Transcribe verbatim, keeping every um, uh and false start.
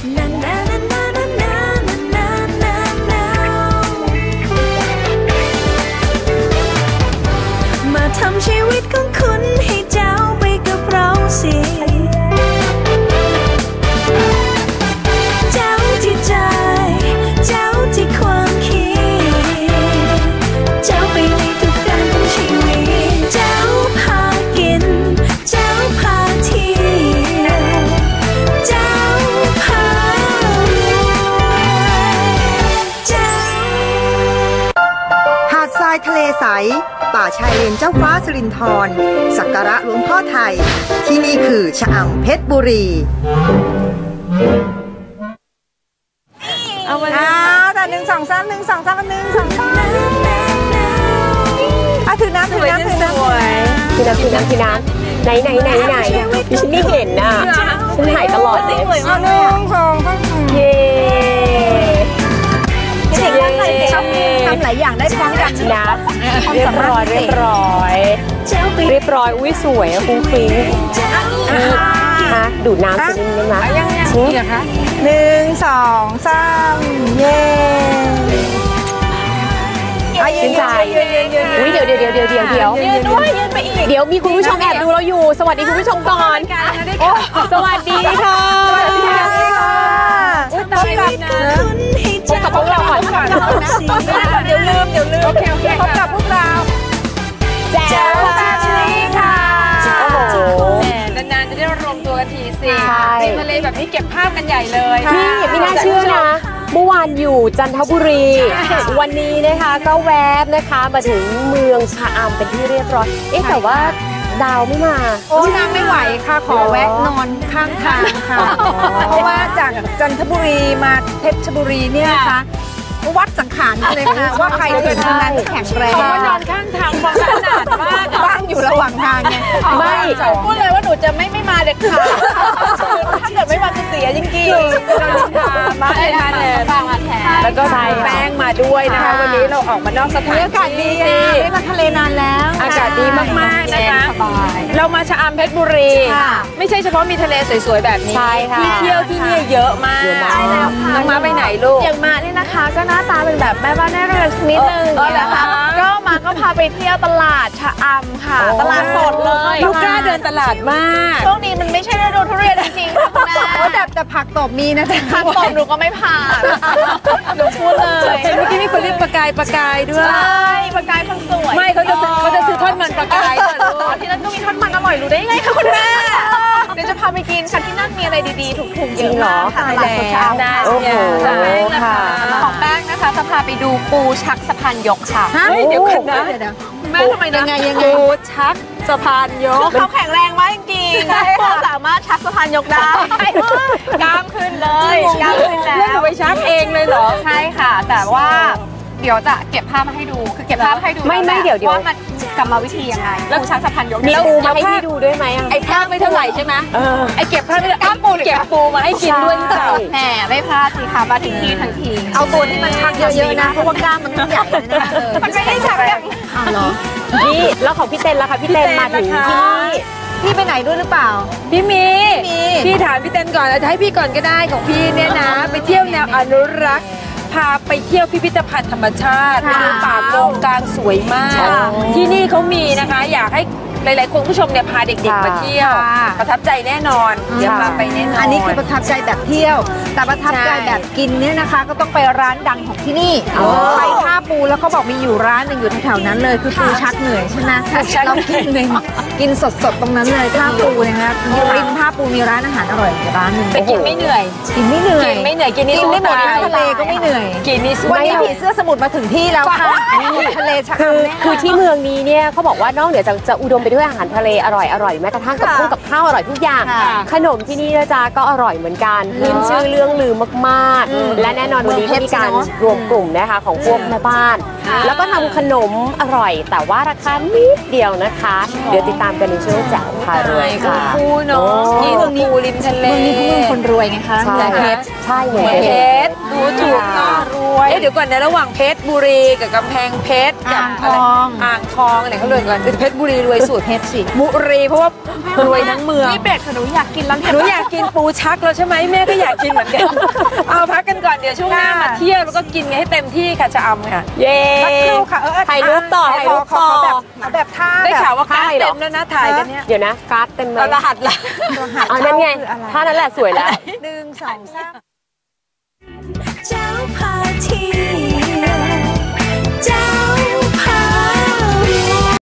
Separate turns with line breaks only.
มาทำชีวิตของคุณให้เจ้าไปกับเราสิเจ้าที่ใจเจ้าที่ความคิดเจ้าไปในทุกด้านของชีวิตเจ้าพากินเจ้าพาเที่ยวเจ้าพารวยเจ้า
หาดทรายทะเลใสป่าชายเลนเจ้าฟ้าสิรินธรสักการะหลวงพ่อไทยที่นี่คือชะอำเพชรบุรี
เอามาเอาแต่หนึ่งสองสามหนึ่งสองสามหนึ่งสองสามอ่ะถือน้ำถือน้ำถือน้ำ
ถือน้ำถือน้ำถือน้ำไหนไหนไหนไหนดิฉันไม่เห็นน่ะฉันถ่ายตลอดเลย
เอาหนึ่งสองสาม
เย้
เด็กตั้งใจชอบทำหลายอย่างได้พร้อมกัน
นะเรียบร้อยเรียบร้อยเรียบร้อยอุ้ยสวยอะฟุ้งฟิ้งฮะดูดน้ำสินิดนึงนะ
ยังยังนี่เหรอคะหนึ่งสองสามเย้
ชื่นใจอุ้ยเดี๋ยวเดี๋ยวเดี๋ยวเดี๋ยวเดี๋ยวเดี๋ยวยืนด้วยยืนไปอีกเดี๋ยวมีคุณผู้ชมแอบดูเราอยู่สวัสดีคุณผู้ชมก่อนสวัสดีค่ะ
สวัสดีค่ะ
อุ้ยตายแล้วนะพบกับพวกเราก่อน
เดี๋ยวลืมเดี๋ยวลืมโอเคโอเคพบกับพวกเรา
แจ๋วตาชีค่ะ
โอ้โหนานๆจะได้รวมตัวกันทีสิริมทะเลแบบนี้เก็บภาพกันใหญ่เลย
พี่ไม่น่าเชื่อนะเมื่อวานอยู่จันทบุรีวันนี้นะคะก็แวบนะคะมาถึงเมืองชะอำเป็นที่เรียบร้อยเอ๊ะแต่ว่าดาวไม่มา
โอ้นางไม่ไหวค่ะขอแวะนอนข้างทางค่ะเพราะว่าจากจันทบุรีมาเพชรบุรีเนี่ยนะคะวัดสังขารเลยค่ะว่าใครถึงนั้นแข็งแรงเพราะว่านอนข้างทางฟังขนาดมากว่างอยู่ระหว่างทางไง
ไม่
พูดเลยว่าหนูจะไม่ไม่มาเด็ดขาดถ้าเกิดไม่มาจะเสียจริงๆมาเลยค่ะเลยแล้วก็แป้งมาด้วยนะคะวันนี้เราออกมานอกสถานที่อากาศดีไม่มาทะเลนานแล้วอากาศดีมากๆนะคะเรามาชะอำเพชรบุรีไม่ใช่เฉพาะมีทะเลสวยๆแบบนี้ที่เที่ยวที่นี่เยอะมากน้องมาไปไหนลูก
อย่างมาเนี่ยนะคะก็หน้าตาเป็นแบบแม่บ้านแม่เรือนนิดนึงนะคะก็มาก็พาไปเที่ยวตลาดชะอำค่ะตลาดสดเลย
ลูกกล้าเดินตลาดมาก
ช่วงนี้มันไม่ใช่ฤดูทุเรียนจริงๆค่ะคุณแม่
แต่แต่ผักตบมีนะแต่
ผักตบหนูก็ไม่ผ่านหนูพูดเลย
เมื่อกี้มีคนเรียกปลากายปลากายด้วย
ใช่ปลากายคนสวย
ไม่เขาจะเขาจะซื้อทอดมันปลากาย
ที่นั่นก็มีทอดมันอร่อยรู้ได้ไงคะคุณแม่เดี๋ยวจะพาไปกินค่ะที่นั่นมีอะไรดีๆถูกๆเยอะมากค่ะตลาดสดชะอำได้
โอ้โห
ค่ะของแป้งนะคะจะพาไปดูปูชักสะพานยกค่ะ
เดี๋ยวกันนะ
แม่ทำไม
ยังไงยังไงปูชักสะพานยก
เขาแข็งแรงมากจริงๆปูสามารถชักสะพานยกได้กล้ามขึ้นเลยกล้ามขึ้นแล้ว
แล้วไปชักเองเลยเหรอ
ใช่ค่ะแต่ว่าเดี๋ยวจะเก็บภาพมาให้ดูคือเก็บภาพให้ดู
ไม่ไม่เดี๋ยวเดี๋ยว
ว่ามันกรรมวิธียังไงปูชักสะพานยก
มีปูมาให้พี่ดูด้วยไหม
ไอ้ภาพไม่เท่าไหร่ใช่ไหมไอ้เก็บภาพไม่กล้ามปูเก็บปูมาให้กินด้วยเปล่า
แหมไม่พลาดสิคะมาถึงที่ทันที
เอาตัวที่มันชักเยอะๆนะเพราะว่ากล้ามมันใหญ่นะ
มันไม่ได้ชักอย่าง
อ้าวเหรอ
นี่แล้วของพี่เต้นล่ะคะพี่เต้นมาถึงที่
พี่ไปไหนด้วยหรือเปล่าพี่มีพี่ถามพี่เต้นก่อนแล้วจะให้พี่ก่อนก็ได้ของพี่เนี่ยนะไปเที่ยวแนวอนุรักษ์พาไปเที่ยวพิพิธภัณฑ์ธรรมชาติไปดูป่าโกงกลางสวยมากที่นี่เขามีนะคะอยากให้หลายๆคนผู้ชมเนี่ยพาเด็กๆมาเที่ยวประทับใจแน่นอนเดี๋ยวพาไปแน่นอนอันนี้คือประทับใจแบบเที่ยวแต่ประทับใจแบบกินเนี่ยนะคะก็ต้องไปร้านดังของที่นี่ไปท่าปูแล้วเขาบอกมีอยู่ร้านหนึ่งอยู่แถวๆนั้นเลยคือปูชักเหนื่อยใช่ไหมเรากินเลยกินสดๆตรงนั้นเลยท่าปูนะคะริมท่าปูมีร้านอาหารอร่อยร้านหนึ่งไปกินไม่เหนื่อยกินไม่เหนื่อยกินไม่เหนื่อยกินนี่กินได้หมดทั้งทะเลก็ไม่เหนื่อยกินนี่วันนี้ผีเสื้อสมุทรมาถึงที่แล้วค่ะทะเลชะอำ
คือที่เมืองนี้เนี่ยเขาบอกว่านอกเหนือจากจะอุดมไปด้วยอาหารทะเลอร่อยอร่อยแม้กระทั่งกับพุ่งกับข้าวอร่อยทุกอย่างขนมที่นี่นะจ๊ะก็อร่อยเหมือนกันขึ้นชื่อเรื่องลือมากๆและแน่นอนวันนี้มีการรวมกลุ่มนะคะของพวกแม่บ้านแล้วก็ทำขนมอร่อยแต่ว่าราคานิดเดียวนะคะเดี๋ยวติดตามกันในช่วงแจ๋วพารวยค่ะ
คูเนาะนี่ตรงนี้ริมทะเล
เมืองนี้เมืองคนรวยไงคะ
ใช่
เพชร
ใช่
เพชรดูถูกน่ารวเอ๊ะเดี๋ยวก่อนนะระหว่างเพชรบุรีกับกำแพงเพชรกับอะไรอ่างทองอะไรเขาเลยก่อนเพชรบุรีรวยสุดเพชรสิบุรีเพราะว่ารวยทั้งเมือง
นี่เบรกค่ะหนูอยากกินแล้ว
หนูอยากกินปูชักแล้วใช่ไหมแม่ก็อยากกินเหมือนกันเอาพักกันก่อนเดี๋ยวช่วงหน้ามาเที่ยวแล้วก็กินกันให้เต็มที่ค่ะชะอำค่ะ
เย้
สักครู่ค่ะเออ
ถ่ายรูปต่อถ่ายรูปต่อ
เอาแบบท่า
ได้
แบบ
ข่าวว่าการ
ใช่เหรอ
เต็มแล้วนะถ่ายกันเนี่ย
เดี๋ยวนะการ์ดเต็มเลย
เอารหัสละ
รหัส
เอานั่นไง
เข้าคืออะไร
ท่านั้นแหละสวยแล้ว
หนึ่งสองสาม